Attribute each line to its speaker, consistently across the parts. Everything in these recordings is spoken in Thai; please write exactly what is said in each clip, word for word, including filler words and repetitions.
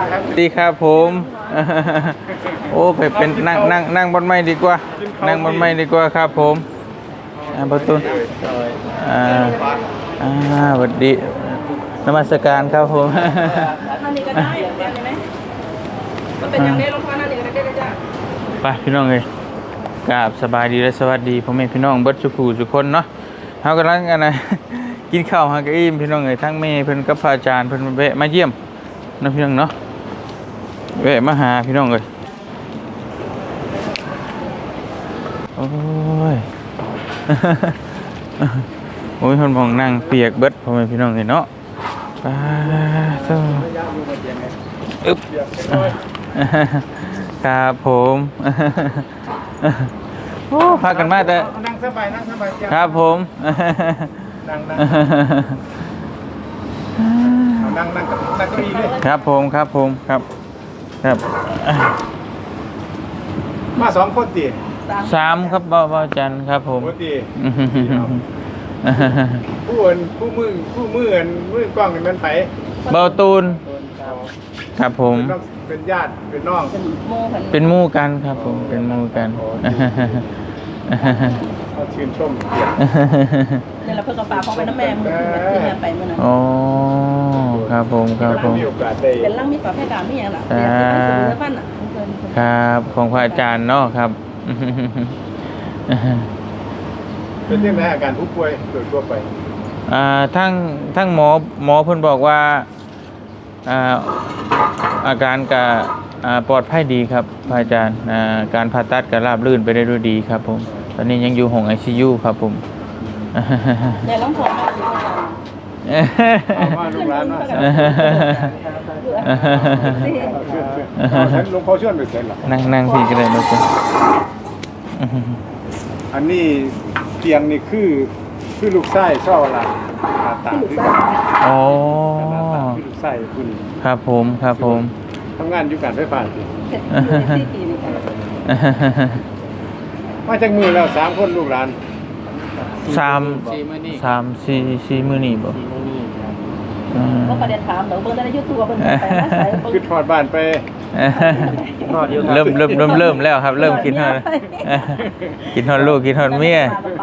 Speaker 1: ดีครับผมโอ้ไปเป็นนั่งนั่งนั่งบนไม้ดีกว่านั่งบนไม้ดีกว่าครับผมอ่าประตูอ่าอ่าสวัสดีนมัสการครับผม
Speaker 2: นั่นนี่ก็ได้เห็นไหมมันเป็นอย่างนี้ลงพ่อนั่นนี่ก็ได้จ้ะ
Speaker 1: ไปพี่น้องเลยกราบสบายดีและสวัสดีพ่อแม่พี่น้องเบิดสุขุทุกคนเนาะเฮากำลังกันนะกินข้าวหากอิ่มพี่น้องเลยทั้งแม่เพิ่นกับพระอาจารย์เพิ่นแวะมาเยี่ยมนะพี่น้องเนาะแวะมาหาพี่น้องเลยโอ้ยโอ้ยคนมองนั่งเปียกเบิดพ่อแม่พี่น้องเลยเนาะไปสู้อึ๊บครับผมโอ้พากันมาแต่
Speaker 3: นั่งสบายนั่งสบาย
Speaker 1: ครับผม
Speaker 3: นั่งนั่งนั่งนั่งกับนั่งก็ดีเลย
Speaker 1: ครับผมครับผมครับครับ
Speaker 3: มาสองคนตี
Speaker 1: สามครับบ่าวจันครับผม
Speaker 3: ตีผู้อื่นผู้มือผู้มืออื่นมือกล้องมันไป
Speaker 1: เบาตูนครับผม
Speaker 3: เป็นญาติเป็นน้อง
Speaker 1: เป็นมู่กันครับผมเป็นมู่กัน
Speaker 3: เขาชื่นชมเกียรติ
Speaker 2: เนี่ยเราเพิ่งกระป๋าของไปน้ำแม่มือที่งานไปเมื่อนั้น
Speaker 1: อ๋อครับผมครับผม
Speaker 2: เป็นร่างมีปลาแพร่ดามีอย่างละเดี๋ยวจะไปซื้อบ้านอ่ะ
Speaker 1: ครับของพระอาจารย์เนาะครับ
Speaker 3: เป็นยังไงอาการผู้ป่วยโดยทั่วไป
Speaker 1: อ่าทั้งทั้งหมอหมอเพิ่นบอกว่าอ่าอาการก็ปลอดภัยดีครับพระอาจารย์การผ่าตัดก็ราบรื่นไปได้ด้วยดีครับผมตอนนี้ยังอยู่ห้อง ไอ ซี ยู ครับผม
Speaker 2: เดี๋ยวต้องถอด
Speaker 3: มาลูกหลานมาหลวงพ่อชวนไปเสร็จหรอ
Speaker 1: นั่งนั่งพี่ก็ได้ลูก
Speaker 3: อันนี้เตียงนี่คือคือลูกไส้ชอบอะไรตาคือ
Speaker 1: อ๋อ
Speaker 3: คือลูกไส้คุณ
Speaker 1: ครับผมครับผม
Speaker 3: ทำงานอยู่การไฟฟ้าสิมาจากมือแล้วสามคนลูกหลาน
Speaker 1: สามสามสี่สี่มือนี่บ่
Speaker 2: ก็ประเด็นถามเดี๋ยวเบิ่งได้ยูทูบเบิ่งไปมาใส่
Speaker 3: คือถอดบ้านไป
Speaker 1: เริ่มเริ่มเริ่มเริ่มแล้วครับเริ่มคิดฮอดคิดฮอดลูกคิดฮอดเมีย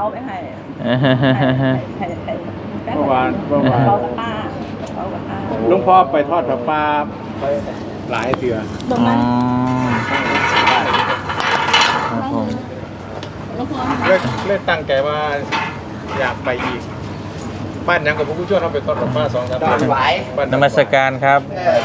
Speaker 3: เมื่อวานเมื่อวานหลวงพ่อไปทอดผ้าป่าไปหลายเถื่อ
Speaker 1: อ๋อครับผม
Speaker 3: เล่นเล่นตั้งใจว่าอยากไปอีกบ้านยังกับผู้ช่วยเราไปทอดผ้าป่าสองสามวัน
Speaker 1: บ้านนมัสการครับ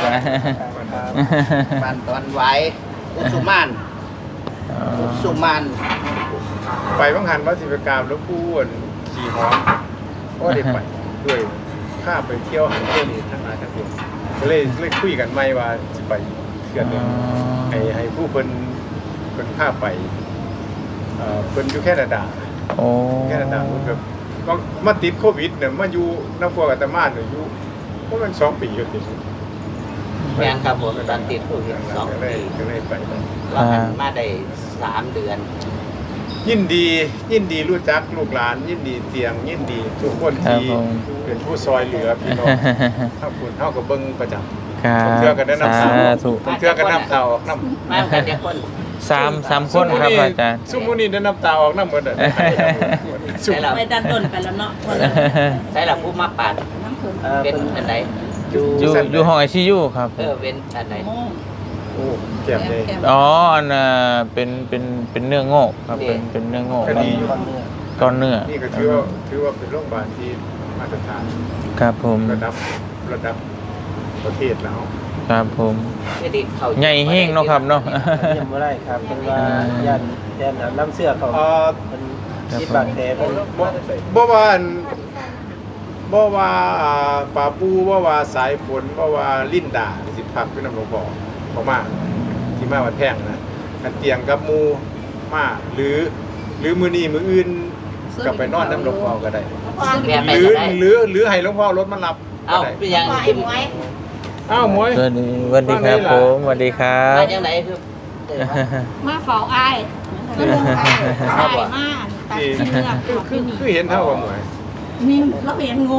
Speaker 4: บ้านตอนไหวอุสุมานอุสุมาน
Speaker 3: ไปบังหันวัดศิลปกรรมแล้วพูดขี่หอมก็ได้ไปด้วยข้าไปเที่ยวหันเที่ยวนี่ทั้งนั้นทั้งนี้ก็เลยเลยคุยกันไม่ว่าจะไปเที่ยวนึงให้ให้ผู้เพิ่นเพิ่นข้าไปเอ่อเพิ่นอยู่แคนาดาแคนาดาเพิ่นแบบก็มาติดโควิดเนี่ยมาอยู่น้ำพัวกับตะมานเนี่ยอยู่เพราะมันสองปีอยู่ติด
Speaker 4: แม่นครับผมตอนติดโควิดสองปี
Speaker 3: ก็เลยไป
Speaker 4: ว่ามาได้สามเดือน
Speaker 3: ยินดียินดีรู้จักลูกหลานยินดีเตียงยินดีทุกคนที่เป็นผู้ซอยเหลือพี่น้องถ้าคุณเท่ากับเบิ้งประจำเทื่อกันได้น้ำเต่าเทื่อกันน้ำเต่าออกน้
Speaker 4: ำมากันเดียวคน
Speaker 1: สามสามคนครับอาจารย์
Speaker 3: ซุมุนี่ได้น้ำเต่าออกน้ำเหมือนเดิม
Speaker 2: ไปดันต้นไปแล้วเนาะ
Speaker 4: ใช่หลักผู้มาปาดเป็นอันไหน
Speaker 1: อยู่อยู่ห้อง ไอ ซี ยู ครับ
Speaker 4: เออเป็นอันไหน
Speaker 3: โอ้เจ็บเลย
Speaker 1: อ๋ออันน่ะเป็นเป็นเป็นเนื้องอกครับเป็นเป็นเนื้องอกก้อนเนื้อ
Speaker 3: นี่ก็ถือว่าถือว่าเป็นโรงพยาบาลที่มาตรฐาน
Speaker 1: ครับผม
Speaker 3: ระดับระดับประเทศแล้ว
Speaker 1: ครับผมใหญ่แห้งเนาะครับเนาะ
Speaker 5: ยังไม่ได้ครับเป็นว่ายันยันน้ำเสื้อเขาเป็นที่บาดแผลเป็น
Speaker 3: บ่ว่าบ่ว่าป่าปูบ่ว่าสายฝนบ่ว่าลิ้นด่าสิพักเป็นน้ำหลวงพ่อเขามาที่มาวัดแพงนะกันเตียงกับมูมาหรือหรือมือนี้มืออื่นกลับไปนอนน้ำหลวงพ่อก็ได้หรือหรือหรือให้หลวงพ่อรถมารับ
Speaker 4: เอาไปยังกินไว้
Speaker 3: อ้าวมวย
Speaker 1: สวัสดีสวัสดีครับผมสวัสดีครับ
Speaker 4: มาอย่างไหนคือ
Speaker 2: มาเฝ้าไอ้ก็ลงไอ้ไอ้มาตัดเชือก
Speaker 3: คือคือเห็นเท่ากับมวย
Speaker 2: นี่เราเห็นงู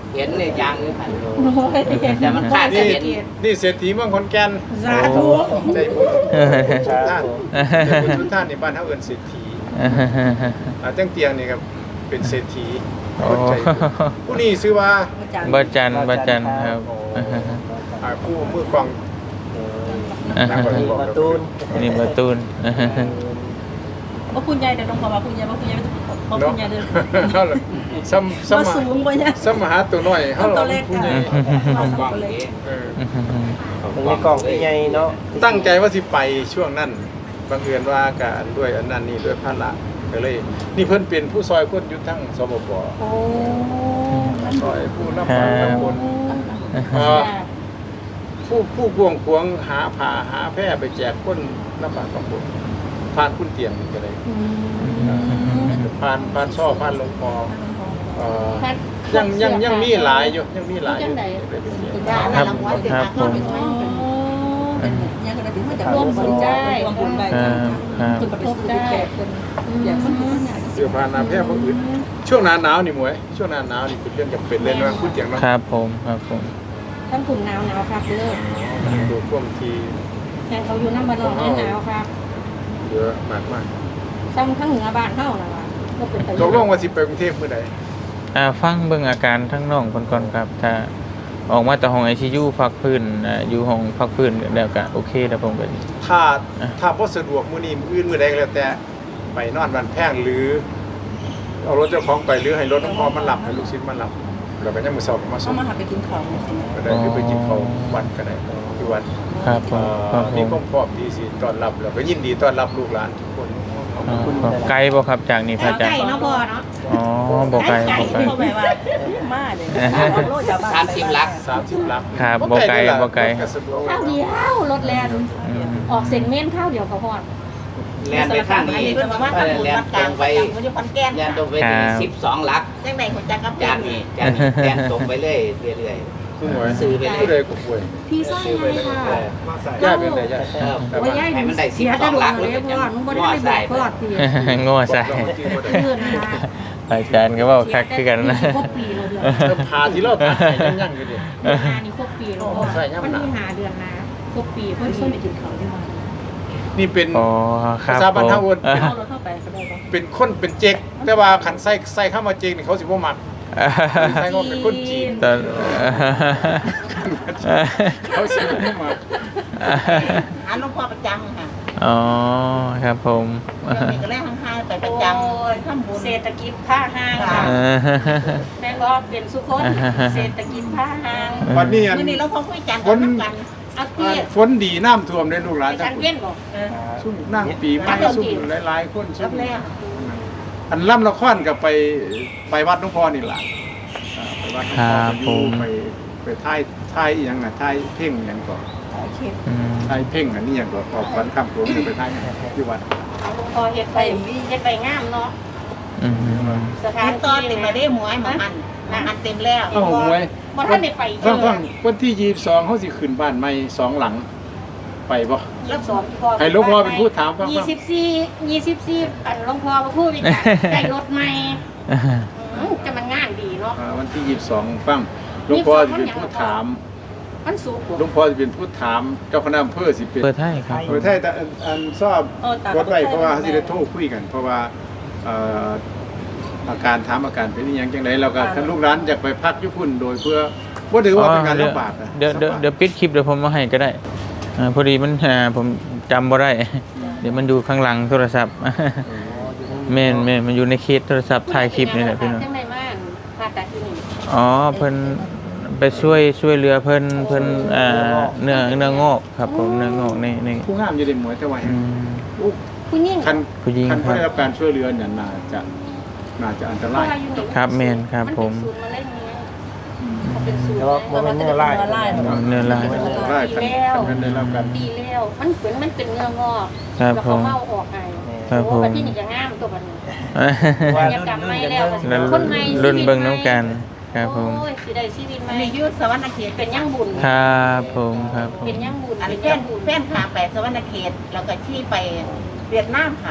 Speaker 4: เห็นในยางนี่ค่ะ
Speaker 2: โอ้ย
Speaker 4: แต่มันขาด
Speaker 3: นี่
Speaker 4: เห็น
Speaker 3: นี่เศรษฐีเมืองขอนแก่น
Speaker 2: สาธุ
Speaker 3: ใจบุญ
Speaker 5: ครั
Speaker 3: ท่าน
Speaker 5: บผม
Speaker 3: ใจบุญทุกท่านในบ้านเฮาเอิ้นเศรษฐีอ่าตั้งเตียงนี่ครับเป็นเศรษฐี
Speaker 1: โอ้
Speaker 3: คนใจบุญผู้นี้ชื่อว่า
Speaker 1: บ่จันบ่จันครับ
Speaker 3: อ่าผู้มือกลอง
Speaker 5: นี่มาตูน
Speaker 1: นี่บ่ตูน
Speaker 2: ว่าคุณยายเดี๋ยวลงมาว่าคุณยายว่าคุณยายว่าคุณยายเดิน
Speaker 3: เนาะซ้ำซ้ำ
Speaker 2: ว่าสูงกว่าเนี่ย
Speaker 3: ซ้ำมหาตัวน้อยเฮา
Speaker 2: ตัวเล็ก
Speaker 3: ผู้
Speaker 2: กัน
Speaker 3: ใหญ่
Speaker 2: เราสองคนเล็ก
Speaker 3: เออ
Speaker 5: มันมีกล่องใหญ่เนาะ
Speaker 3: ตั้งใจว่าสิไปช่วงนั้นบังเอิญว่าการด้วยอันนั้นนี่ด้วยภาระก็เลย นี่เพิ่นเป็นผู้ซอยคนอยู่ทั้งสบป
Speaker 2: โอ้
Speaker 3: ซอยผู้รับฟังทุกคนเอ่อผู้ผู้พวงพวงหาผ้าหาแพร่ไปแจกคนรับฟังทุกคนผ่านคุณเตียงนี่ก็เลยผ่านผ่านช่อผ่านหลวงพ่อเอ่อยังยังยังมีหลายอยู่ยังมีหลายอยู่ได้ไปเสีย
Speaker 1: ครับครับผม
Speaker 2: ยังก็ได้ถึงมาจากร่วมบุญได้ร่วมบุญได้
Speaker 1: ครับครับ
Speaker 2: จุดประสบได้อย่างคนอื่น
Speaker 3: เสื้อผ้าหนาแพร่พวกอื่นช่วงหน้าหนาวนี่หมวยช่วงหน้าหนาวนี่เป็นเรื่องจำเป็นเลยนะคุณเตียงเนาะ
Speaker 1: ครับผมครับผม
Speaker 2: ท่านขุนหนาวหนาวครับเลย
Speaker 3: ดูท่วมที
Speaker 2: แทนเขาอยู่น้ำบาดอนหนาวครับ
Speaker 3: เยอะมากมาก
Speaker 2: ซ้ำทั้งเหนือบ้านเท่านะวะก็เป็นไป
Speaker 3: ตกลงว่าสิไปกรุงเทพเมื่อใด
Speaker 1: อ่าฟังเบิ่งอาการทั้งน้องเพิ่นก่อนครับ ถ้าออกมาจากห้อง ไอ ซี ยู พักพื้นอ่าอยู่ห้องพักพื้นแล้วก็โอเคแล้วผมก็
Speaker 3: ถ้าถ้าบ่สะดวกมื้อนี้มื้ออื่นมื้อใดก็แล้วแต่ไปนอนบ้านแพงหรือ เอารถเจ้าของไปหรือให้รถน้องพอมันหลับให้ลูกศิษย์มันหลับแล้วก็ยังมื้อเช้าก็มาส่
Speaker 2: เขา
Speaker 3: ง
Speaker 2: มาหาไปกินของสิ
Speaker 3: ก็ได้หรือไปกินข้าววัดก็ได้ที่วัด
Speaker 1: ครับผ
Speaker 3: เอ่
Speaker 1: มครับ
Speaker 3: อ
Speaker 1: ผ
Speaker 3: มี
Speaker 1: ม
Speaker 3: ความพร้อมที่สิต้อนรับแล้วก็ยินดีต้อนรับลูกหลานทุกคน
Speaker 1: อ๋อไกลบ่ครับจากนี่พระอาจาร
Speaker 2: ไก่
Speaker 1: ย์
Speaker 2: เนาะพอเนาะ
Speaker 1: อ๋อบ่ไกลบ่ไกล
Speaker 2: เขาแบบว่ามาเลยโลดจากบ้าน
Speaker 4: สามสิบลัก
Speaker 3: สามสิบลัก
Speaker 1: ครับบ่ไกลบ่ไกล
Speaker 3: สะดวก
Speaker 2: ข้าวเดียวรถแลน
Speaker 1: อืม
Speaker 2: ออกเซนเมนข้าวเดียวเขาพอด
Speaker 4: แลนไปข้างนี้
Speaker 2: เพิ่นมา
Speaker 4: เอ
Speaker 2: ทำ
Speaker 4: อ
Speaker 2: บุญ
Speaker 4: แลน
Speaker 2: วัด
Speaker 4: ต
Speaker 2: ก
Speaker 4: ร
Speaker 2: ลาง
Speaker 4: ง
Speaker 2: ไป
Speaker 4: ไป
Speaker 2: เขาอยู่ขอนแก่น
Speaker 4: แลนตรงไปถึงสิบสองลัก
Speaker 2: จังได๋คนจักกับ
Speaker 4: จานนี้จานนี้แลนตรงไปเรื่อยเรื่อย
Speaker 3: ผู้หวย
Speaker 4: ซื้อไปเลย
Speaker 3: ผู้ใดก็ป่วย
Speaker 2: พี่ซ้อยไงค่ะ
Speaker 3: ย่าเป็นไรย่า
Speaker 4: ๆเออ
Speaker 2: ว่าย่าย
Speaker 4: ให้มันได้สิ
Speaker 2: เสี
Speaker 4: บ
Speaker 2: ย
Speaker 4: ส
Speaker 2: จะ
Speaker 4: อง
Speaker 2: ดู
Speaker 4: ลัก
Speaker 2: เลยพ่อนุ่งบ่ได้ไปบอกพ่อตี
Speaker 1: โง่ใส่
Speaker 2: เพื่อนนะ
Speaker 1: อาจารย์ก็เว้าคักคือกันนะ
Speaker 2: ครบปีเลยเดือน
Speaker 3: เริ่มพาที่เราตายยังยังอยู่ดิ
Speaker 2: งานนี้ครบปีแล้วมันมีหาเดือนนะครบปีเพิ่นส่งไปกินข้าวที่บ้าน
Speaker 3: นี่เป็น
Speaker 1: อ๋อครับ
Speaker 3: ภาษาบ้านเฮาเอิ้น
Speaker 2: เอารถเข้าไปก็ได้บ่
Speaker 3: เป็นคนเป็นเจ๊กแต่ว่าขันใส่ใส่เข้ามาเจ๊กนี่เขาสิบ่มักใส่ก็เป็นคนจีน
Speaker 1: ตอน
Speaker 3: เขาสิบ่มัก
Speaker 6: อันหลวงพ่อประจำค่ะ
Speaker 1: อ๋อครับผม
Speaker 6: เดี๋ยวนี้ก็เลยห่างๆไปประจำทำบุญ
Speaker 2: เศรษฐกิจผ้าห้างค่ะ
Speaker 1: เออ
Speaker 2: แม่ก็เป็นสุคนเศรษฐกิจผ้าห้าง
Speaker 3: วันนี้อัน
Speaker 6: มื่อนี้เราพอคุยกัน
Speaker 3: คน
Speaker 6: น้ำกัน
Speaker 2: เอาเตี้ย
Speaker 3: ฝนดีน้ำท่วมได้ลูกหลาน
Speaker 2: ไป
Speaker 3: ทั้
Speaker 2: ทาง ง
Speaker 3: คน
Speaker 2: เว้นบ่
Speaker 3: ซุ่มนั่งปีใหม่ซุ่มหลายๆคนซุ่
Speaker 6: รั
Speaker 3: ม
Speaker 6: บแล้ว
Speaker 3: อันล่ำละครกับไปไปวัดหลวงพ่อนี่ล่ะอ่าไปวัดหลวงพ่อไปอยู่ไปไปท่ายท่ายอีหยังน่ะท่ายเพ่งหยังก่อน
Speaker 1: อืม
Speaker 3: ท่ายเพ่งอันนี้หยังก่อนออกวันค่ำหลวงไปท่ายที่วัด
Speaker 2: พอเฮ็ดไปเฮ็ดไปงามเนาะ
Speaker 1: อืม
Speaker 2: สถา
Speaker 6: ทาน นตอน
Speaker 2: ที่
Speaker 6: เต็มมาได้หมวยมาหันมาหันเต็มแล้ว
Speaker 3: เอ้าหวย
Speaker 2: บ่ทันได้ไป
Speaker 3: ฟังฟังวันที่ยี่สิบสองเขาสิขึ้นบ้านใหม่สองหลัง ไปบ่
Speaker 2: รับสอนพ่อ
Speaker 3: ให้หลวงพ่อเป็นผู้ถามฟังๆ
Speaker 2: ยี่สิบสี่ ยี่สิบสี่อันหลวงพ่อมาพูดอีกอะได้รถใหม่อืมจะมันงานดีเนาะ
Speaker 3: อ่าวันที่ยี่สิบสองฟังหลวงพ่อจะเป็นผู้ถาม
Speaker 2: มันสูงกว่า
Speaker 3: หลวงพ่อจะเป็นผู้ถามเจ้าคณะอำเภอสิเป็น
Speaker 1: เปิดให้ครับ
Speaker 3: เออใช่แต่อันอันชอบกดไว้เพราะว่าเขาสิได้โทรคุยกัน เพราะว่าเอ่ออาการถามอาการเป็นอหยังจังไดแล้วก็ท่านลูกหลานอยากไปพักญี่ปุ่นโดยเพื่อบ่ถือว่าเป็นการลำบากนะ
Speaker 1: เดี๋ยวเดี๋ยวเดี๋ยวปิดคลิปเดี๋ยวผมมาให้ก็ได้อ่าพอดีมันอ่าผมจำบ่ได้ เดี๋ยวมันอยู่ข้างหลังโทรศัพท์ แม่นแม่นมันอยู่ในเคสโทรศัพท์ถ่ายคลิปนี่แหละพี่น้อง
Speaker 2: จังไดมาผ่าตัดที่นี่
Speaker 1: อ๋อเพิ่นไปช่วยช่วยเหลือเพิ่นเพิ่นอ่าเนื้อเนื้องอกครับผมเนื้องอกในใน
Speaker 3: ผู้งามอยู่ในหมวยแต่ว่า
Speaker 1: อืม
Speaker 2: ผู้หญิง
Speaker 3: คัน
Speaker 1: ผู้หญิง
Speaker 3: คัน
Speaker 1: ครับ
Speaker 3: ได้รับการช่วยเหลือเนี่ยน่าจะน่าจะอันตราย
Speaker 1: ครับแม่นครับผม
Speaker 2: นเป็นศูนย์มะเร็งไงเขาเป็นศูนย์
Speaker 5: แต่ว่าบ่แม่นเนื้อลาย
Speaker 1: เนื้อลาย
Speaker 3: อันตรายคันคันได้รับการ
Speaker 2: ดีแล้วมันเป็นมันเป็นเนื้องอก
Speaker 1: ครับ
Speaker 2: แล้ว
Speaker 1: ผ
Speaker 2: เขา
Speaker 1: ม
Speaker 2: เมาออกไง
Speaker 1: ครับผม
Speaker 2: โอ้บัดที่นี่จะงามตัวบัดนี้
Speaker 5: ว่า
Speaker 2: อยากกลับไม่แล้ว
Speaker 1: รุ่น
Speaker 2: คนใหม่
Speaker 1: รุ่นเบิ่งน้ำกันครับผม
Speaker 2: โอ้ยสิได้ชีวิตใหม่
Speaker 6: มียุทธสวรรณเขต
Speaker 2: เป็นยังบุญ
Speaker 1: ครับผมครับผม
Speaker 2: เป็นยังบุญ
Speaker 6: อัน
Speaker 2: เป็น
Speaker 6: แฟ
Speaker 2: ยั
Speaker 6: น
Speaker 2: งบุญ
Speaker 6: แฟนขาไปสวรรณเขตแล้วก็ชี้ไปเวียดนามค่ะ
Speaker 1: อ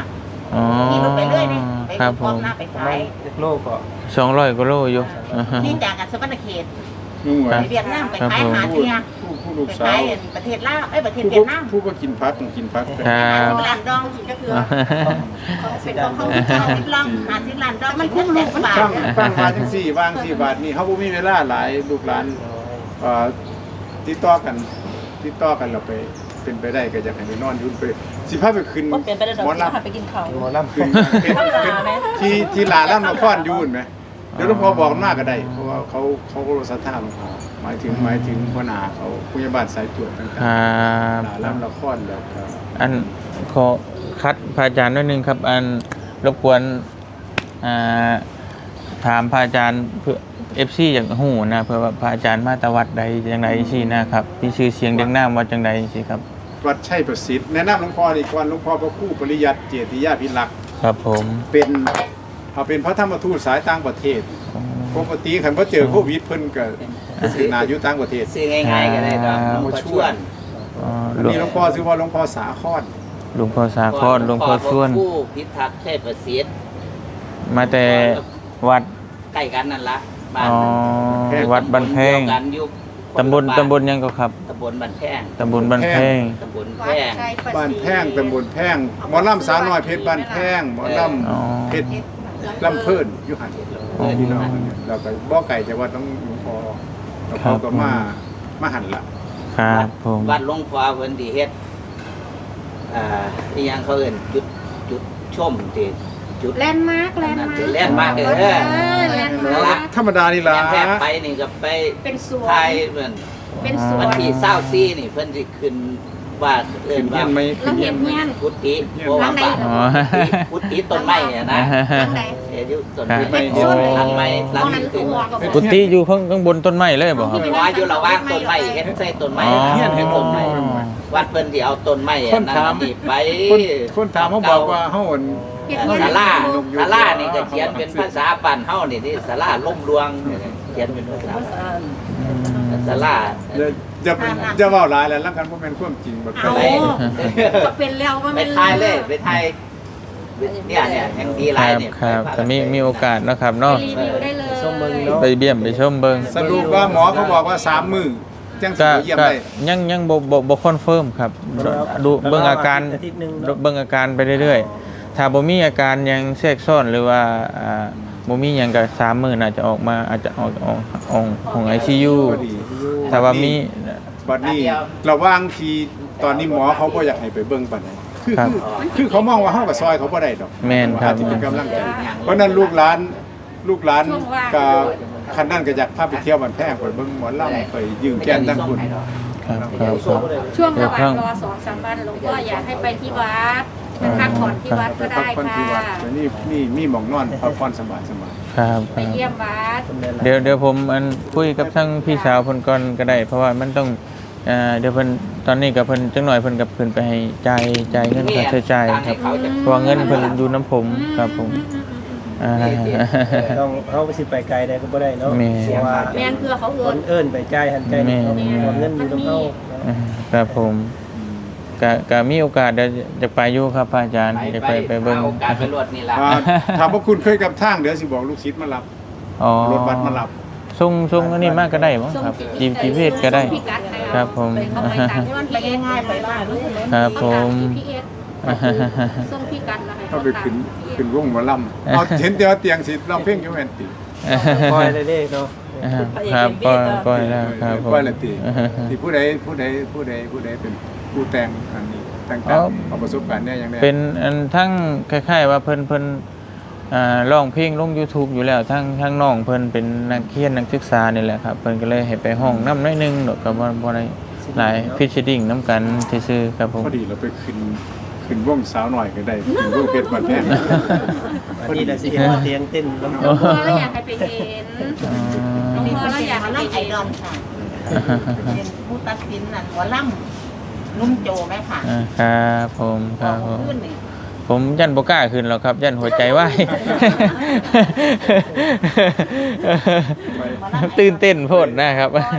Speaker 1: อ๋อ
Speaker 6: ขี่รถไปเรื่อยนี่ไป
Speaker 1: ครับผ
Speaker 6: พร้อม
Speaker 1: ม
Speaker 6: หน้าไป
Speaker 5: ประ
Speaker 6: ขา
Speaker 5: มาณ
Speaker 6: ย
Speaker 5: เจ็ดโลก็
Speaker 1: สองร้อยกว่าโลอยู่อ่าฮะ
Speaker 6: นี่จากกันสวรรณเขต
Speaker 3: นุ่ง
Speaker 1: ครั
Speaker 3: ไว้
Speaker 1: บ
Speaker 6: ไปเวียดนามไปขายหาเทีย
Speaker 3: ผู้ผู้ลูก
Speaker 6: ไป
Speaker 3: สา
Speaker 6: ขายว ประเทศลาวเอ้ยประเทศ
Speaker 3: ผู้
Speaker 6: เวียดนาม
Speaker 3: ผู้ก็กินพักกินพัก
Speaker 1: ครับ
Speaker 6: ร้านดอง
Speaker 2: กินก็คือ
Speaker 6: เขาเป็นของเขาหาสิบลองหาสิบล้านดองมันคุ้มลูกบาท
Speaker 3: ฟังฟังมาจังสี่วางสี่บาทนี่เขาบ่มีเวลาหลายลูกหลานเอ่อติดต่อกันติดต่อกันเราไปเป็นไปได้ก็อยากให้ไปนอนอยุ่นไปสิพาไปขึ้น
Speaker 6: เป็นไปได้ดอก
Speaker 3: หมอ
Speaker 6: สิ
Speaker 3: ลำ
Speaker 6: พาไปกินข้าว
Speaker 5: หมอลำ
Speaker 3: ขึ้นเป็นเป็นที่ที่ลาล่ำนครอยุ่นไหมเดี๋ยวหลวงพ่อบอกมากก็ได้เพราะว่าเขาเขาก็รู้ศรัทธาหลวงพ่อหมายถึงหมายถึงหัวหน้าเขาผู้ใหญ่บ้านสายตรวจต่าง
Speaker 1: ครั
Speaker 3: ๆ
Speaker 1: บ
Speaker 3: ลาล่ำนครแล้วก็
Speaker 1: อันขอคัดพระอาจารย์นิดนึงครับ อันรบกวนอ่าถามพระอาจารย์เพื่อเอฟซีอย่างหูนะเพื่อว่าพระอาจารย์มาตวัดใดจังใดสินะครับมีชื่อเสียงเดังน้ำวัดจังใดสิครับ
Speaker 3: วัดชัยประสิทธิ์แนะนำหลวงพ่ออีกวันหลวงพ่อพระครูปริยัติเจติยาภิลักษ์
Speaker 1: ครับผม
Speaker 3: เป็นเขาเป็นพระธรรมทูตสายต่างประเทศปกติคันพอเจอโควิดเพิ่นก็สินาอยู่ต่างประเทศ
Speaker 4: ซื้อง่ายๆก็ได้ดอกหลวงพ่อชวน
Speaker 1: อ๋อ
Speaker 3: อัน
Speaker 1: หลวง
Speaker 3: นี้หลวงพ่อชื่อว่าหลวงพ่อสาคร
Speaker 1: หลวงพ่อสาครหลวงพ่อส่วน
Speaker 4: ผู้พิทักษ์ชัยประสิทธิ์
Speaker 1: มาแต่วัด
Speaker 4: ใกล้กันนั่นละบ้าน
Speaker 1: อ๋อวัดบ้านแพง
Speaker 4: เดียวกันอยู่
Speaker 1: ตำบลตำบลยังก็ครับ
Speaker 4: ตำบลบ้านแพง
Speaker 1: ตำบลบ้านแพง
Speaker 4: ตำบลแพ
Speaker 2: วัด
Speaker 4: ง
Speaker 2: ชัยประ
Speaker 3: บ้าน
Speaker 2: สิทธิ์
Speaker 3: แพงตำบลแพงหมอลำสาวน้อยเพชรบ้านแพงหมอล
Speaker 1: อ๋อ
Speaker 3: ำเพชรลำเพิ่นอยู่หัน
Speaker 1: อ๋อ
Speaker 3: พี่น้องเราก็บ่ไก่จากวัดต้องหลวงพ่อหลวงพ่อก็มามาหันละ
Speaker 1: ครับผม
Speaker 4: วัดหลวงพ่อเพิ่นที่เฮ็ดอ่าอีหยังเขาเอิ้นจุดจุดชมที่จุด
Speaker 2: แลนด์มาร์คแลนด์มาร์ค
Speaker 4: แลนด์มาร์คเออ
Speaker 2: เออแลนด์มาร์ค
Speaker 3: ธรรมดานี่ล่ะ
Speaker 4: แม่นแทบไปนี่ก็ไป
Speaker 2: เป็นสวน
Speaker 4: ไทยเพิ่น
Speaker 2: เป็นสว
Speaker 4: วัน
Speaker 2: น
Speaker 4: ที่เศร้าซี่นี่เพิ่นสิขึ้นว่าเอิ้
Speaker 3: ขึ้
Speaker 4: น
Speaker 3: นเฮี
Speaker 4: ว่าย
Speaker 3: นไหม
Speaker 2: เราเห็นเงี้ยน
Speaker 4: พุทธิเพราะว่าบ้าน
Speaker 1: อ๋อ
Speaker 4: พุทธิต้นไม้อะนะ
Speaker 2: ทางไหน
Speaker 4: เดี๋ยวอยู่ต้น
Speaker 1: ครับ
Speaker 4: ไม้
Speaker 2: เป็นส้น
Speaker 4: ทางไม้
Speaker 2: ต
Speaker 4: หลั
Speaker 2: รง งนั้น
Speaker 4: นี้
Speaker 2: คื
Speaker 4: คือ อ
Speaker 2: หัวกับ
Speaker 1: กุฏิอยู่ข้างข้างบนต้นไม้เลยบ่ครับ
Speaker 4: ว่าอยู่ระหว่างต้นไม้เฮ็ดใส่ต้นไม้
Speaker 1: อ๋อ
Speaker 4: เฮียนให้ต้นไม้วัดเพิ่นสิเอาต้นไม้
Speaker 3: คน
Speaker 4: นั้น
Speaker 3: ถาม
Speaker 4: นี่ไป
Speaker 3: คนคนถามเขาบอกว่าเฮาอั่น
Speaker 2: เห็น
Speaker 4: เอ่อ
Speaker 2: เงี้ยน
Speaker 4: ศาลาศาลานี่ก็เขียนเป็นภาษาบ้านเฮานี่ที่ศาลาล่มรวงเขียนเป็นภาษาศาลา
Speaker 3: อย่าอย่าอย่าเว้าหลายแล้วลังกันบ่แม่นความจริงบ่
Speaker 2: เอา
Speaker 3: ไป
Speaker 2: ก็เป็นแล้วว่า
Speaker 4: ไป
Speaker 2: มัน
Speaker 4: ถ่ายเลยไปถ่ายเนี่ยเนี่ยแห่งดีห
Speaker 1: ค
Speaker 4: ลาย
Speaker 1: รับ
Speaker 4: เนี่ย
Speaker 1: ครับ
Speaker 4: ไป
Speaker 1: แต่มีมีโอกาสเนาะครับ
Speaker 2: ไป
Speaker 1: เนาะ
Speaker 2: รีวิวได้เลย
Speaker 5: ชมเบิ่งเนาะ
Speaker 1: ไปเบี้ยมไปชมเบิ่ง
Speaker 3: สรุปว่าหมอเขาบอกว่าสามมื้อจังสิ
Speaker 1: ก็
Speaker 3: ไปเยี่ยม
Speaker 1: ก็
Speaker 3: ได้
Speaker 1: ยังยังบ่บ่บ่คอนเฟิร์มครับดูเบิ่งอาการ
Speaker 5: อาทิตย์หนึ่งเนอะ
Speaker 1: เบิ่งอาการไปเรื่อยๆถ้าบ่มีอาการหยังแทรกซ้อนหรือว่าอ่าบ่มีหยังก็สามมื้อน่าจะออกมาอาจจะออกออกออกของ ไอ ซี ยู
Speaker 3: พอดี
Speaker 1: ถ้าว่ามี
Speaker 3: บัดนี้ระหว่างที่ตอนนี้หมอเขาบ่อยากให้ไปเบิ่งปานใดคือ
Speaker 1: ครับ
Speaker 3: คือคือเขามองว่าเฮากับซอยเขาบ่ได้ดอก
Speaker 1: แม่นครับ
Speaker 3: อาจจะเป็นกำลังใจเพราะฉะนั้นลูกหลานลูกหลานก็คันนั้นก็อยากพาไปเที่ยวบ้านแพงไปเบิ่งหมอลำไปยืมแก้มตั้งคุณ
Speaker 1: ครับครับครับ
Speaker 2: ช่วงระหว่างรอสองสามวันหลวงพ่ออยากให้ไปที่วัดไปพักผ่อนที่วัดก็
Speaker 3: ไปพั
Speaker 2: ได้
Speaker 3: กผ่อนที่วั
Speaker 2: ค่ะ
Speaker 3: ดแต่นี่มีมีหมองนอนพักผ่อนสบายสบาย
Speaker 1: ครับค
Speaker 2: ไป
Speaker 1: รับ
Speaker 2: เยี่ยมวัด
Speaker 1: เดี๋ยวเดี๋ยวผมอันคุยกับทั้งพี่สาวเพิ่นก่อนก็ได้ เพราะว่ามันต้องเอ่อเดี๋ยวเพิ่นตอนนี้กับเพิ่นจังหน่อยเพิ่นกับเพิ่นไปให้จ่ายจ่ายเงินค่าใช้จ่ายครับเพราะว่าเงินเพิ่นอยู่น้ำผมครับผมอ่า
Speaker 5: ต้องเฮาสิไปไกลได้ก็บ่ได้เนาะ
Speaker 1: แม่
Speaker 5: เพราะว่า
Speaker 2: แม่นเพื่อเขา
Speaker 5: ค
Speaker 2: เอิน
Speaker 5: นเอิ้นไปจ่ายหันใจนี่เขาเอาเงินอยู่กับเฮา
Speaker 1: อ่าครับผมก็ก็มีโอกาสเดี๋ยวจะไปอยู่ครับพระอาจารย์จะไปไปเบิ่ง
Speaker 4: หาโอกาสไปรวดนี่ล่ะ
Speaker 3: อ่าถามว่าคุณเคยกับทางเดี๋ยวสิบอกลูกศิษย์มารับ
Speaker 1: อ๋อ
Speaker 3: รถบัสมารับ
Speaker 1: ส่งส่งอันนี้มากก็ได้มั้งครับจีจีเพศก็ได้ ครับผม
Speaker 2: เข้าไปตามที่มันไปง่ายๆไปบ้านเลย
Speaker 1: ครับผม
Speaker 2: พีเอสส่งพี่กันนะคะ
Speaker 3: เขาไปขึ้นขึ้นวงหมอลำเอาเห็นเตียวเตียงสิลำเพ่งอยู่แม่นติ
Speaker 5: คอยได้เลขเนาะ
Speaker 1: อ่าครับก็ก็แล้วครับผม
Speaker 3: ว่าละติที่ผู้ใดผู้ใดผู้ใดผู้ใดเป็นผู้แต่งอันนี้แต่ง
Speaker 1: อ๋
Speaker 3: ตา
Speaker 1: อ
Speaker 3: มเอาประสบการณ์เนี่ยอย่างแรก
Speaker 1: เป็นอันทั้งคล้ายๆว่าเพิ่นเพิ่นอ่าร้องเพลงลง YouTube อยู่แล้วทั้งทั้งน้องเพิ่นเป็นนักเรียนนักศึกษานี่แหละครับเพิ่นก็เลยให้ไปห้องนำหน้อยหนึงดอกก็บ่บ่ได้หลายฟิชดิ้งนํกันซื่อๆครับผม
Speaker 3: พอดีเราไปขึ้นขึ้นวงสาวหน่อยก็ได้ขึ้นวงเพชรบัดแพง
Speaker 5: วันนี้น่ะสิเห็นว่าเตียงเต้นลำ
Speaker 2: หลวงพ่อเราอยากให้ไปเห็น
Speaker 1: อ๋อ
Speaker 2: หลวงพ่อเราอยากให้ไป
Speaker 6: ไอ
Speaker 2: เห็น
Speaker 6: ดอลค่ะเป็นผู้ตัดสินนั่นหัวล่ำนุ่มโจไหมค่ะ
Speaker 1: อ่าครับผมครับผม
Speaker 6: ขึ้นนี่
Speaker 1: ผมยันบ่กล้าขึ้นหรอกครับยันหัวใจวาย ตื่นเต้นโพดนะครับ
Speaker 2: บ่ดอก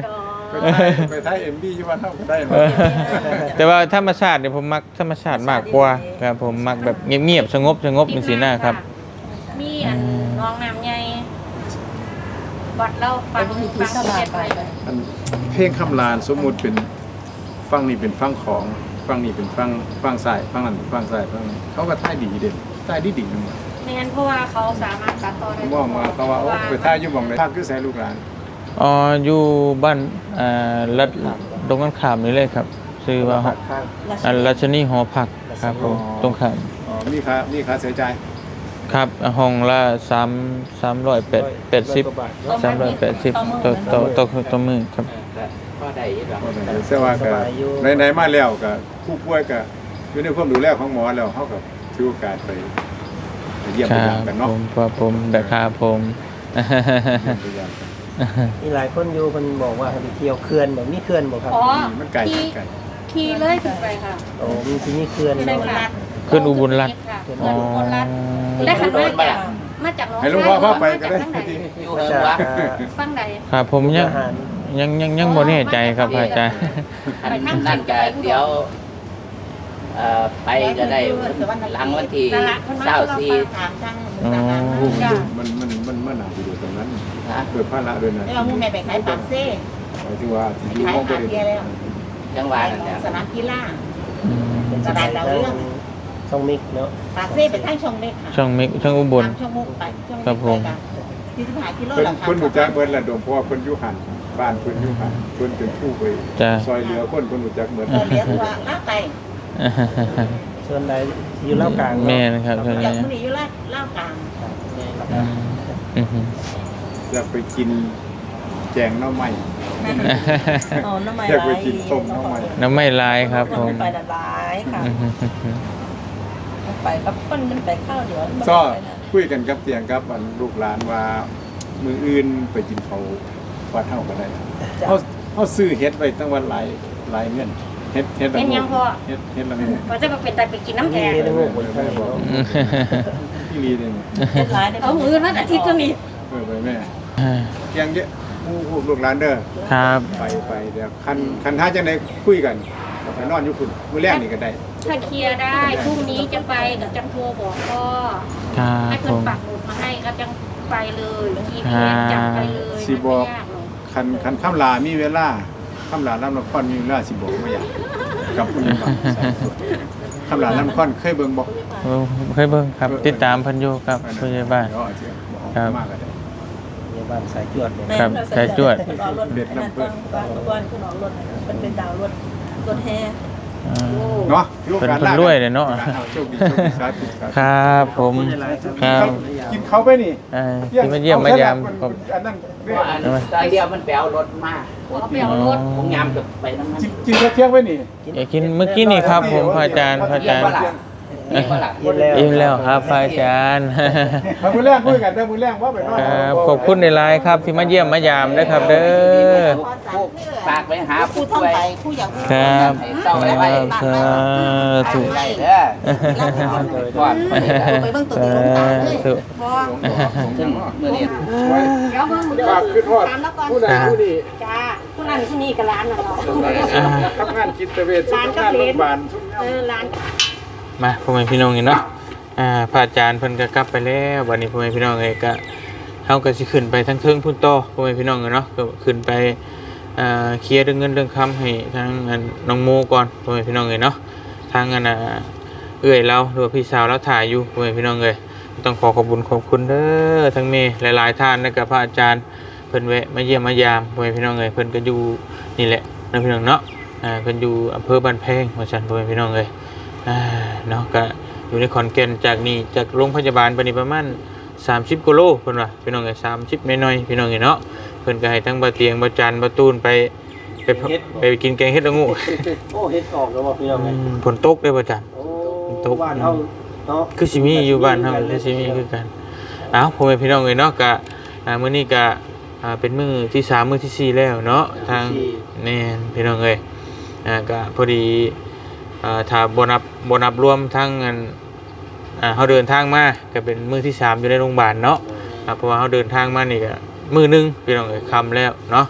Speaker 3: ไปไทยไปไทยเอ็มบีอยู่บ้านเฮาก็ได้
Speaker 1: เออแต่ว่าธรรมชาติเนี่ยผมมักธรรมชาติมากกว่าครับผมมักแบบเงียบๆสงบสงบเป็นสีหน้าครับ
Speaker 2: มีอันน้องน้ำใหญ่วัดเราฟังฟังเทศน์ไป
Speaker 3: อันเพลงคำลานสมมุติเป็นฟังนี่เป็นฟังของฟังนี่เป็นฟังฟังซ้ายฟังนั้นเป็นฟังซ้ายฟังนี้เขาก็ท่ายดีเด่นท่ายดีดีนึง
Speaker 2: ไม่งั้นเพราะว่าเขาสามารถตัดต่อได้
Speaker 3: มองมาเขาว่าโอ้ไปท่ายอยู่หม่องใดภาคคือแสลูกหลาน
Speaker 1: อ๋ออยู่บ้านอ่ารัดตรงกันข้ามนี่เลยครับชื่อว่าหอ
Speaker 5: ข้าง
Speaker 1: อันรัชนีหอพักครับผมตรงข้าม
Speaker 3: อ๋อมีค่ามีค่าเสียใจาย
Speaker 1: ครับห้องละสามสามร้อยแปดแปดสิบสามร้อยแปดสิบต่อต่อต่อต่อมือครับ
Speaker 4: ก็ได้อยู่ดอก
Speaker 3: เสียว่าก็ไหนๆมาแล้วก็ผู้ป่วยก็อยู่ในความดูแลของหมอแล้วเขาก็ถือโอกาสไปไปเยี่ยม
Speaker 1: ค
Speaker 3: ไป
Speaker 1: รั
Speaker 3: ยา
Speaker 1: บ
Speaker 3: มกัน
Speaker 1: ผ
Speaker 3: เนาะ
Speaker 1: มครับผมแต่ครับผม
Speaker 3: เยี่ยมไปยามกัน
Speaker 5: มีหลายคนอยู่เพิ่นบอกว่าให้ไปเที่ยวเขื่อนแบบนี้เขื่อนบ่ครับ
Speaker 2: อ๋อ
Speaker 3: มันไกล
Speaker 2: ขี่
Speaker 3: ไกล
Speaker 2: ขี่เลยขึ้นไปค่ะ
Speaker 5: โอ้มีที่นี่เขื่อน
Speaker 2: ที่ได้
Speaker 5: เนาะ
Speaker 2: ค่ะ
Speaker 1: ขึ้นอุบลรัตน์
Speaker 2: ค่ะ
Speaker 5: ขึ้
Speaker 2: ขึ้น
Speaker 5: น
Speaker 2: อุบลรัตน์และขันมาจากมาจากน้อง
Speaker 3: ให้หลวงพ่อพาไปก็ได้
Speaker 2: มาจากทางไหน
Speaker 4: อยู่เฮิง
Speaker 5: จาก
Speaker 4: วะ
Speaker 2: ฟังใด
Speaker 1: ครับผมยัง
Speaker 5: อาหาร
Speaker 1: ยังยังยังบ่แน่ใจครับพระอาจารย์
Speaker 4: อันนั่นก็เดี๋ยวเอ่อไปก็ได้หลังวันที่เศร้าสี่
Speaker 6: ถามทาง
Speaker 1: อ๋อ
Speaker 3: มันมันมันมันหนาอยู่ตรงนั้น
Speaker 4: ฮะ
Speaker 3: เกิดภาระด้วยนะ
Speaker 6: แล้วเรามุ่งแม่ไปขายปากเซ่
Speaker 3: หมายถึงว่าที่อยู่
Speaker 6: ขาย
Speaker 3: ห้องบ
Speaker 6: หา
Speaker 3: ริ
Speaker 6: เทีย
Speaker 3: เว
Speaker 6: แล้ว
Speaker 4: จังหวัดนั่นแหละ
Speaker 6: สนามกีฬา
Speaker 1: อืม
Speaker 5: เป็นสถานทางช่องมิกเนาะ
Speaker 6: ปากเซ่เป็นทางช่องเล็กค่ะ
Speaker 1: ช่องมิกช่องอุบล
Speaker 6: ตามช่องมุกไปช่อง
Speaker 1: ครับผม
Speaker 6: ที่สิบห้ากิโล
Speaker 3: เพิ่น
Speaker 6: ละค่ะ
Speaker 3: เพิ่นรู้จักเบิดละดมเพราะว่าเพิ่นอยู่หันบ้านเพิ่นอยู่หันเพิ่นเป็นผู้ไป
Speaker 1: จ้ะ
Speaker 3: ซอยเหลือคนเพิ่นรู้จักเบิด
Speaker 6: เออเลี้ยงว่าลาดไป
Speaker 5: ส่วนใดอยู่เล่าวกลางเนาะ
Speaker 1: แม่นะครับช่วง
Speaker 6: จา
Speaker 1: นี้
Speaker 6: กมื้อนี้อยู่ลาดลาวกลาง
Speaker 1: อืมอืมอืม
Speaker 3: อยากไปกินแจงหน้อไม้
Speaker 7: อ๋อน้ำไม้
Speaker 3: อยากไป
Speaker 7: ลาย
Speaker 3: กินต้มหน้อไม้
Speaker 1: น้ำไม่ลายครับผม
Speaker 7: ไปดัดร้ายค่ะ
Speaker 1: อืมอืมอืม
Speaker 7: ไปกับคนมันไปข้าวเดี๋ยวมัน
Speaker 3: ก็
Speaker 7: ไปนะ
Speaker 3: คุยกันกับเตียงกับอันลูกหลานว่ามืออื่นไปกินเขาววัดเฮาก็ได้เฮาเฮาซื้อเฮ็ดไว้ตั้งวันหลายหลายเงินเฮ็ดเฮ็ดละ
Speaker 2: เป็นยังพ่อ
Speaker 3: เฮ็ดเฮ็ดละเงิน
Speaker 2: ว่าจะมาเป็นแต่ไปกินน้ำแข็ง
Speaker 5: มีทั้งหมดคนข้างเนาะ
Speaker 1: อืม
Speaker 3: พี่ลีเนี่ย
Speaker 7: เป็นร้ายได้
Speaker 2: เอามือนัดอาทิตย์ก็มี
Speaker 3: เออไปแม่เตียงเยอะผู้ผู้ลูกหลานเด้อ
Speaker 1: ครับ
Speaker 3: ไปไปเดี๋ยวคันคันถ้าจังได๋คุยกันไปนอนอยู่พุ่นมื้อแรกนี่ก็ได้
Speaker 2: ถ้าเคลียร์ได้พรุ่งนี้จะไปกับจังโทรบอกพ่อ
Speaker 1: ครับ
Speaker 2: ให้
Speaker 1: ผ
Speaker 2: เพิ่น
Speaker 1: ม
Speaker 2: ปักหมุดมาให้ก็จังไปเลยทีพีเอสจับไปเลย
Speaker 3: สิบอก
Speaker 2: ไม่ยากหรอก
Speaker 3: คันคันคำลามีเวลาคำลาลำนครมีเวลาสิบอกบ่อยากกับผู้นี้บ้างคำลาลำนครเคยเบิ่งบ่
Speaker 1: เออเคยเบิ่งครับ ติดตามเพันอยู่ครับผู้ใหญ่บ้าน
Speaker 3: เดี๋ยวอาจจะบอก
Speaker 1: ครับ
Speaker 3: มากก็ได้
Speaker 5: ในบ้านสายจวดเนี่ย
Speaker 1: ครับสายจวด
Speaker 7: คุณออกรถอันนั้นต้องต้องทุกวันคุณออกรถมันเป็นดาวรถรถแห่
Speaker 1: อ่า
Speaker 3: เนาะถือโอกาส
Speaker 1: เป็นคนรวยเลยเนาะ
Speaker 3: โชคดีโชคดีสาธุสาธุ
Speaker 1: ครับผมครับ
Speaker 3: กินเขาไปนี่
Speaker 1: เอ่อที่มาเยี่ยมมายามผม
Speaker 3: อันนั้น
Speaker 4: เพราะอันตอนเดียวมันไปเอารถมา
Speaker 2: เอาไปเอารถ
Speaker 4: ผมยามกับไปน้ำมัน
Speaker 3: กินข้าวเที่ยงไปนี่
Speaker 1: อยากกินเมื่อกี้นี่ครับ ผมพระอาจารย์พระอาจารย์
Speaker 4: นี่ว่าหลัก
Speaker 5: ยินแล้ว
Speaker 1: อิ่มแล้วครับพระอาจารย์
Speaker 3: มามื้อแรกคุยกันเด้อมื้อแรกว่าไปนอน
Speaker 1: ครับขอบคุณในไลน์ครับที่มาเยี่ยมมายามนะครับเด้อ
Speaker 4: ฝากไปหา
Speaker 6: ผู้
Speaker 4: ผู้
Speaker 6: ท่อง
Speaker 4: ช่วย
Speaker 6: ไปผู้อยากผู้
Speaker 1: ครับ
Speaker 4: เศร้า
Speaker 1: ค
Speaker 4: ไว้
Speaker 1: รับ
Speaker 4: ไว้
Speaker 1: สาธุ
Speaker 4: ได้เด้อ
Speaker 6: ก่อนไปเบิ่งตัว
Speaker 1: สา
Speaker 6: ที่ลงตาเลย
Speaker 1: ธุ
Speaker 6: บ่
Speaker 4: ซึ่งเมื่อนี้
Speaker 2: เดี๋ยวเบิ่ง
Speaker 3: ฝากขึ้นฮอด
Speaker 2: ตามแล้วก่อน
Speaker 3: ผู้ใดผู้นี้
Speaker 2: จ้าผู้นั้นผู้นี้กับร้านน่ะเนาะ
Speaker 3: ทำงานจิตเวชทำงานโรงพยาบาลทุกอย่าง
Speaker 2: เออร้าน
Speaker 1: มาพ่อแม่พี่น้องนี่เนาะอ่าพระอาจารย์เพิ่นก็กลับไปแล้ววันนี้พ่อแม่พี่น้องเอ้ยก็เฮาก็สิขึ้นไปทั้งเทิงพุ่นต่อพ่อแม่พี่น้องเนาะก็ขึ้นไปอ่าเคลียร์เรื่องเงินเรื่องคำให้ทางอันน้องโมก่อนพ่อแม่พี่น้องเอ้ยเนาะทางอันน่ะเอื้อยเราหรือว่าพี่สาวเราถ่ายอยู่พ่อแม่พี่น้องเอ้ยต้องขอขอบคุณขอบคุณเด้อทั้งเมย์หลายๆท่านแล้วก็พระอาจารย์เพิ่นแวะมาเยี่ยมมายามพ่อแม่พี่น้องเอ้ยเพิ่นก็อยู่นี่แหละนะพี่น้องเนาะอ่าเพิ่นอยู่อำเภอบ้านแพงว่าซั่นพ่อแม่พี่น้องเอ้ยอ่าเนาะก็อยู่ในขอนแก่นจากนี่จากโรงพยาบาลไปนี่ประมาณสามสิบกิโลเพิ่นว่าพี่น้องเอ้ยสามสิบน้อยๆพี่น้องเอ้ยเนาะเพิ่นก็ให้ทั้งบ่เตียงบ่จันบ่ตูนไปไปไปกินแกงเฮ็ดละงู
Speaker 5: โอ้เฮ็ดออกแล้วบ่พี่น้องไง
Speaker 1: อืมฝนตกเด้อบ่จัน
Speaker 5: โอ้บ้านเฮาเนาะ
Speaker 1: คือสิมีอยู่บ้านเฮาคือสิมีคือกันเอ้าพ่อแม่พี่น้องเอ้ยเนาะก็อ่ามื้อนี้ก็อ่าเป็นมื้อที่สามมื้อที่สี่แล้วเนาะทางแน่นพี่น้องเอ้ยอ่าก็พอดีอ่าถ้าบ่นับบ่นับรวมทั้งอันอ่าเฮาเดินทางมาก็เป็นมื้อที่สามอยู่ในโรงพยาบาลเนาะอ่าเพราะว่าเฮาเดินทางมานี่ก็มื้อหนึงพี่น้องเอ้ยค่ำแล้วเนาะ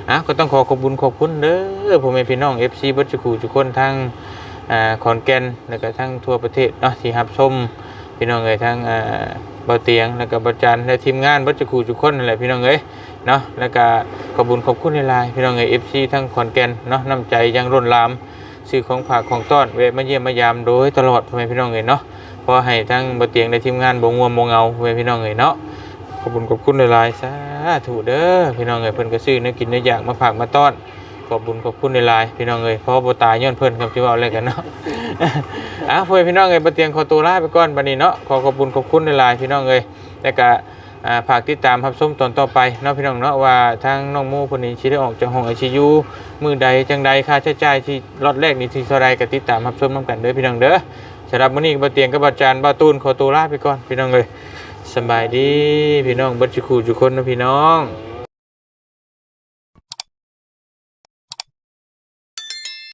Speaker 1: อ่ะก็ต้องขอขอบคุณขอบคุณเด้อพ่อแม่พี่น้อง เอฟ ซี เบิดทุกคู่ทุกคนทั้งอ่าขอนแก่นแล้วก็ทั้งทั่วประเทศเนาะที่รับชมพี่น้องเอ้ยทั้งอ่าเบาเตียงแล้วก็เบาจันและทีมงานเบิดทุกคู่ทุกคนนั่นแหละพี่น้องเอ้ยเนาะแล้วก็ขอบคุณขอบคุณหลายๆพี่น้องเอ้ย เอฟ ซี ทั้งขอนแก่นเนาะน้ำใจยังล้นหลามซื้อของฝากของต้อนแวะมาเยี่ยมมายามโดยตลอดพ่อแม่พี่น้องเอ้ยเนาะพอให้ทั้งเบาเตียงและทีมงานบ่ง่วงบ่เหงาพ่อแม่พี่น้องเอ้ยเนาะขอบคุณขอบคุณหลายๆสาธุเด้อพี่น้องเอ้ยเพิ่นก็ซื้อเนื้อกินเนื้ออยากมาฝากมาต้อนขอบคุณขอบคุณหลายๆพี่น้องเอ้ยเพราะบ่ตายย้อนเพิ่นครับสิเว้าอะไรกันเนาะ อ่ะพ่อแม่พี่น้องเอ้ยบ่เตียงขอตัวลาไปก่อนบัดนี้เนาะขอขอบคุณขอบคุณหลายๆพี่น้องเอ้ยแล้วก็อ่าฝากติดตามรับชมตอนต่อไปเนาะพี่น้องเนาะว่าทางน้องโมคนนี้สิได้ออกจากห้อง ไอ ซี ยู มื้อใดจังใดค่าใช้จ่ายที่ล็อตแรกนี่ที่เท่าใดก็ติดตามรับชมนํกันเด้อพี่น้องเด้อสำหรับมื้อนี้บ่เตียงกับบ่จานบ่ตูนขอตัวลาไปก่อนพี่น้องเอ้ยสบายดีพี่น้องเบิดทุกคู่ทุกคนนะพี่น้อง